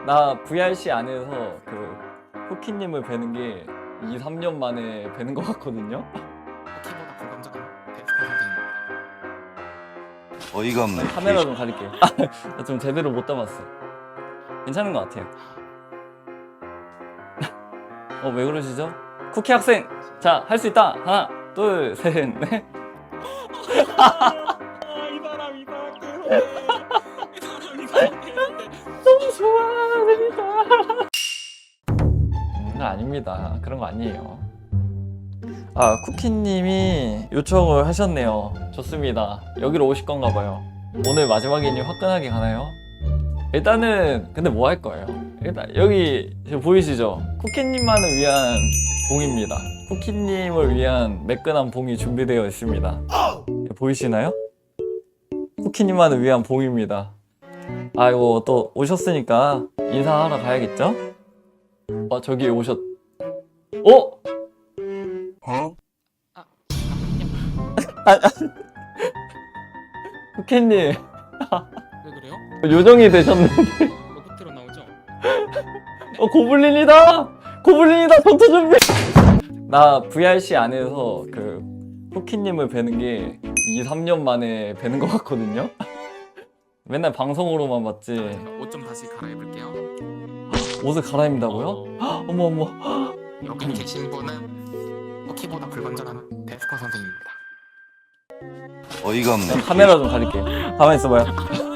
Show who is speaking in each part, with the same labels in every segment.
Speaker 1: 나 VRC 안에서 그 쿠키님을 뵈는 게 2, 3년 만에 뵈는 것 같거든요?
Speaker 2: 키보다 불감정한 데스크 선생님.
Speaker 3: 어이가 없네.
Speaker 1: 카메라 좀 가릴게. 나 좀 제대로 못 담았어. 괜찮은 것 같아요. 왜 그러시죠? 쿠키 학생! 자, 할 수 있다! 하나, 둘, 셋, 넷.
Speaker 2: 이 사람 이상해. 이 사람 이상해.
Speaker 1: 너무 좋아, 재밌다. 아닙니다. 그런 거 아니에요. 아, 쿠키님이 요청을 하셨네요. 좋습니다. 여기로 오실 건가 봐요. 오늘 마지막이니 화끈하게 가나요? 일단은 근데 뭐 할 거예요? 일단 여기 지금 보이시죠? 쿠키님만을 위한 봉입니다. 쿠키님을 위한 매끈한 봉이 준비되어 있습니다. 보이시나요? 쿠키님만을 위한 봉입니다. 아이고 또 오셨으니까 인사하러 가야겠죠? 저기 오셨... 어? 쿠키님
Speaker 2: 왜 그래요?
Speaker 1: 요정이 되셨는데
Speaker 2: 로봇으로 나오죠?
Speaker 1: 고블린이다! 고블린이다! 전투 준비! 나 VRC 안에서 그 쿠키님을 뵈는 게 2, 3년 만에 뵈는 것 같거든요? 맨날 방송으로만 봤지.
Speaker 2: 옷 좀 다시 갈아입을게요.
Speaker 1: 옷을 갈아입는다고요? 어머 어머.
Speaker 2: 여기 계신 분은 키보다 불건전한 데스크 선생님입니다.
Speaker 3: 어이가 없네.
Speaker 1: 카메라 좀 가릴게. 가만히 있어봐요.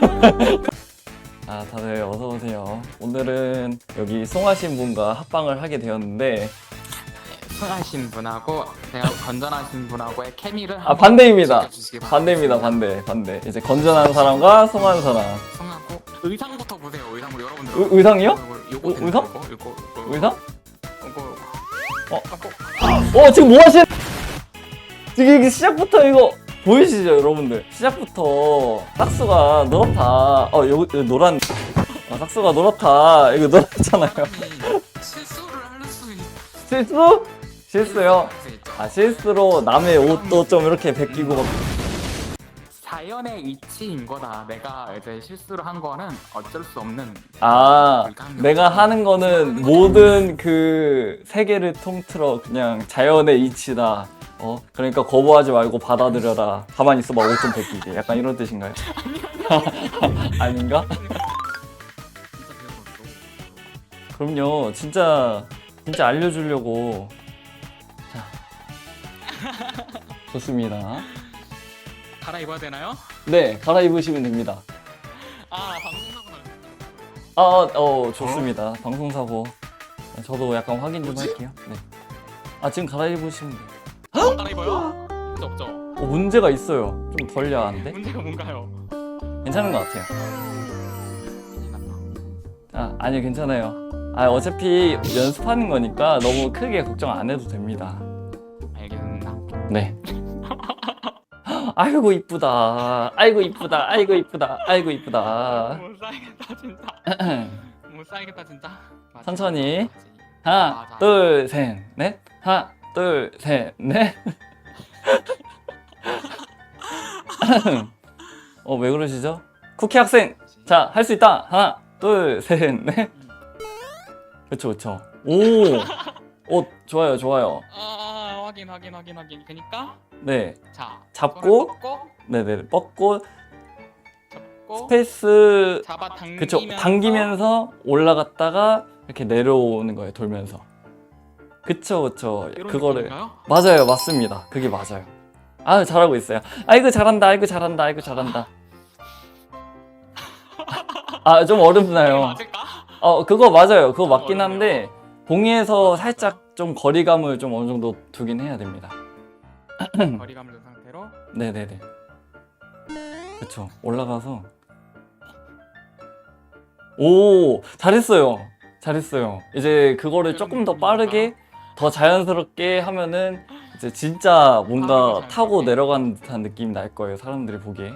Speaker 1: 아, 다들 어서오세요. 오늘은 여기 송하신 분과 합방을 하게 되었는데
Speaker 2: 순하신 분하고 제가 건전하신 분하고의 케미를
Speaker 1: 반대입니다.
Speaker 2: 지켜주시기 바랍니다.
Speaker 1: 반대입니다. 반대. 이제 건전한 사람과 송한 사람.
Speaker 2: 성하고 의상부터 보세요. 의상을 여러분들.
Speaker 1: 의상이요?
Speaker 2: 요거
Speaker 1: 의상?
Speaker 2: 요거
Speaker 1: 의상?
Speaker 2: 요거
Speaker 1: 지금 뭐 하시는? 지금 이게 시작부터 이거 보이시죠, 여러분들? 시작부터 싹수가 노랗다. 여기 노란. 싹수가 노랗다. 이거 노랗잖아요.
Speaker 2: 실수를 할 수 있.
Speaker 1: 실수? 실수요? 실수로 남의 옷도 좀 이렇게 베끼고 막.
Speaker 2: 자연의 이치인 거다. 내가 이제 실수를 한 거는 어쩔 수 없는.
Speaker 1: 내가 하는 거는 모든 그 세계를 통틀어 그냥 자연의 이치다. 그러니까 거부하지 말고 받아들여라. 가만히 있어봐, 옷 좀 베끼게. 약간 이런 뜻인가요? 아닌가? 그럼요. 진짜 알려주려고. 자, 좋습니다.
Speaker 2: 갈아입어야 되나요?
Speaker 1: 네, 갈아입으시면 됩니다.
Speaker 2: 방송사고 날.
Speaker 1: 좋습니다. 방송사고. 저도 약간 확인 좀 할게요. 네. 지금 갈아입으시면 돼요.
Speaker 2: 갈아입어요? 문제 없죠?
Speaker 1: 문제가 있어요. 좀 덜 야한데?
Speaker 2: 문제가 뭔가요?
Speaker 1: 괜찮은 것 같아요. 아니요, 괜찮아요. 어차피 연습하는 거니까 너무 크게 걱정 안 해도 됩니다.
Speaker 2: 알겠습니다.
Speaker 1: 네. 아이고 이쁘다. 아이고 이쁘다. 아이고 이쁘다. 아이고 이쁘다.
Speaker 2: 못 살겠다 진짜. 못 살겠다 진짜.
Speaker 1: 천천히. 하나, 둘, 셋, 넷. 하나, 둘, 셋, 넷. 왜 그러시죠? 쿠키 학생! 자, 할 수 있다! 하나, 둘, 셋, 넷. 그쵸. 좋아요.
Speaker 2: 확인. 그니까
Speaker 1: 네.
Speaker 2: 자,
Speaker 1: 잡고, 네네, 뻗고, 스페이스,
Speaker 2: 잡아 당기면서.
Speaker 1: 그쵸, 당기면서 올라갔다가 이렇게 내려오는 거예요, 돌면서. 그쵸. 그거를.
Speaker 2: 느낌인가요?
Speaker 1: 맞아요, 맞습니다. 그게 맞아요. 잘하고 있어요. 아이고 잘한다. 좀 어렵나요?
Speaker 2: 맞을까?
Speaker 1: 그거 맞아요. 그거 맞긴 한데 봉이에서 살짝 좀 거리감을 좀 어느 정도 두긴 해야 됩니다.
Speaker 2: 거리감을 둔 상태로.
Speaker 1: 네네네. 그쵸. 올라가서. 오, 잘했어요. 이제 그거를 조금 더 빠르게, 더 자연스럽게 하면은 이제 진짜 뭔가 타고 내려가는 듯한 느낌이 날 거예요. 사람들이 보기에.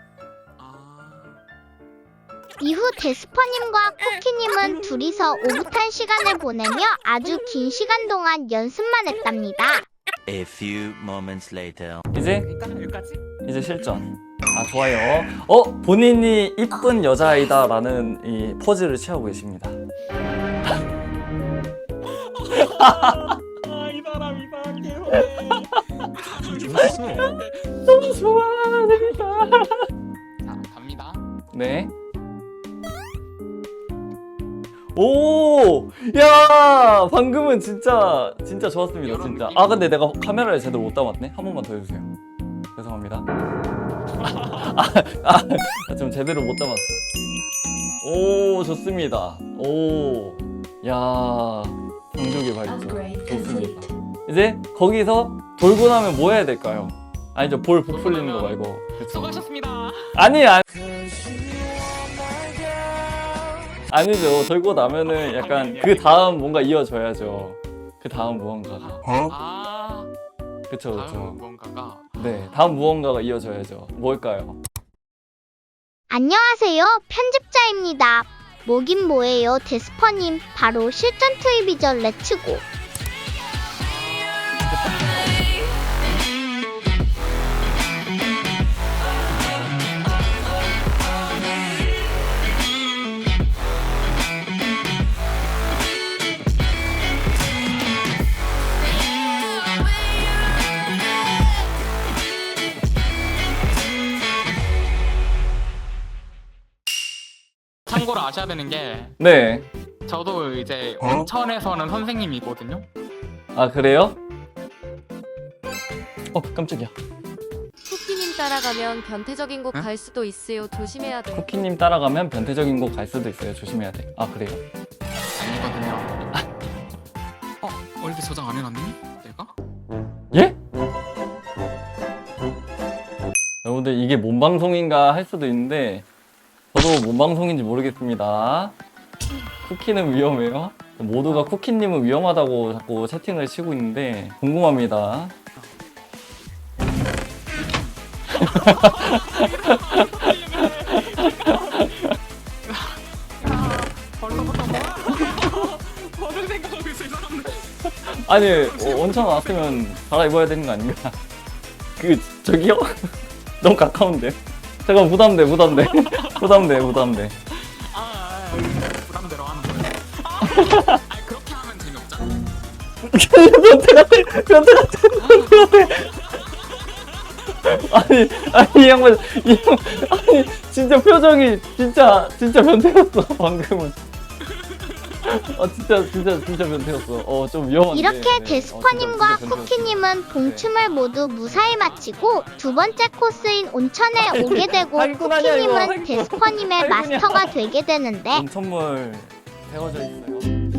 Speaker 4: 이후 데스퍼님과 쿠키님은 둘이서 오붓한 시간을 보내며 아주 긴 시간 동안 연습만 했답니다.
Speaker 5: A few moments later.
Speaker 1: 이제
Speaker 2: 여기까지?
Speaker 1: 실전. 아 좋아요. 본인이 이쁜 여자아이다라는 이 포즈를 취하고 계십니다.
Speaker 2: 이 사람 이상하게
Speaker 1: 너무 좋아, 재밌다.
Speaker 2: 자 갑니다.
Speaker 1: 네. 오, 야, 방금은 진짜 좋았습니다, 진짜. 아, 근데 내가 카메라를 제대로 못 담았네. 한 번만 더 해주세요. 죄송합니다. 좀 제대로 못 담았어. 오, 좋습니다. 오, 야, 성적이 발전. 좋습니다. 이제 거기서 돌고 나면 뭐 해야 될까요? 아니죠, 볼 부풀리는 거 말고. 그쵸?
Speaker 2: 수고하셨습니다.
Speaker 1: 아니죠. 돌고 나면은 약간 그 다음 뭔가 이어져야죠. 그 다음 무언가가.
Speaker 2: 아
Speaker 1: 그쵸,
Speaker 2: 다음
Speaker 1: 그쵸.
Speaker 2: 무언가가
Speaker 1: 네, 다음 무언가가 이어져야죠. 뭘까요?
Speaker 4: 안녕하세요. 편집자입니다. 뭐긴 뭐예요, 데스퍼님. 바로 실전 투입이죠. 렛츠고.
Speaker 2: 참고로 아셔야 되는 게
Speaker 1: 네.
Speaker 2: 저도 이제 온천에서는 선생님이거든요.
Speaker 1: 아, 그래요? 깜짝이야.
Speaker 3: 쿠키님 따라가면 변태적인 곳 갈 수도 있어요. 조심해야 돼.
Speaker 1: 쿠키님 따라가면 변태적인 곳 갈 수도 있어요. 조심해야 돼. 아, 그래요?
Speaker 2: 아니거든요. 월드 저장 안 해놨니? 내가?
Speaker 1: 예? 여러분들 이게 뭔 방송인가 할 수도 있는데 저도 뭔 방송인지 모르겠습니다. 쿠키는 위험해요? 모두가 쿠키님은 위험하다고 자꾸 채팅을 치고 있는데 궁금합니다.
Speaker 2: 벌써부터 뭐를 생각하고 있어 이 사람들.
Speaker 1: 아니 온천 왔으면 갈아입어야 되는 거 아닌가? 저기요? 너무 가까운데. 잠깐 부담돼. 부담돼.
Speaker 2: 부담대로 하는 거예요. 그렇게 하면 재미없잖아.
Speaker 1: 변태 같아. 아니 이 양반 아니 진짜 표정이 진짜 변태였어 방금은. 진짜 변태였어. 좀 위험한데.
Speaker 4: 이렇게
Speaker 1: 네.
Speaker 4: 데스퍼님과
Speaker 1: 진짜
Speaker 4: 쿠키님은 봉춤을 모두 무사히 마치고 두 번째 코스인 온천에 오게 되고
Speaker 1: 할군 아니야, 이거.
Speaker 4: 쿠키님은 데스퍼님의
Speaker 1: 할군이야.
Speaker 4: 마스터가 되게 되는데
Speaker 1: 온천물 세워져 있어요.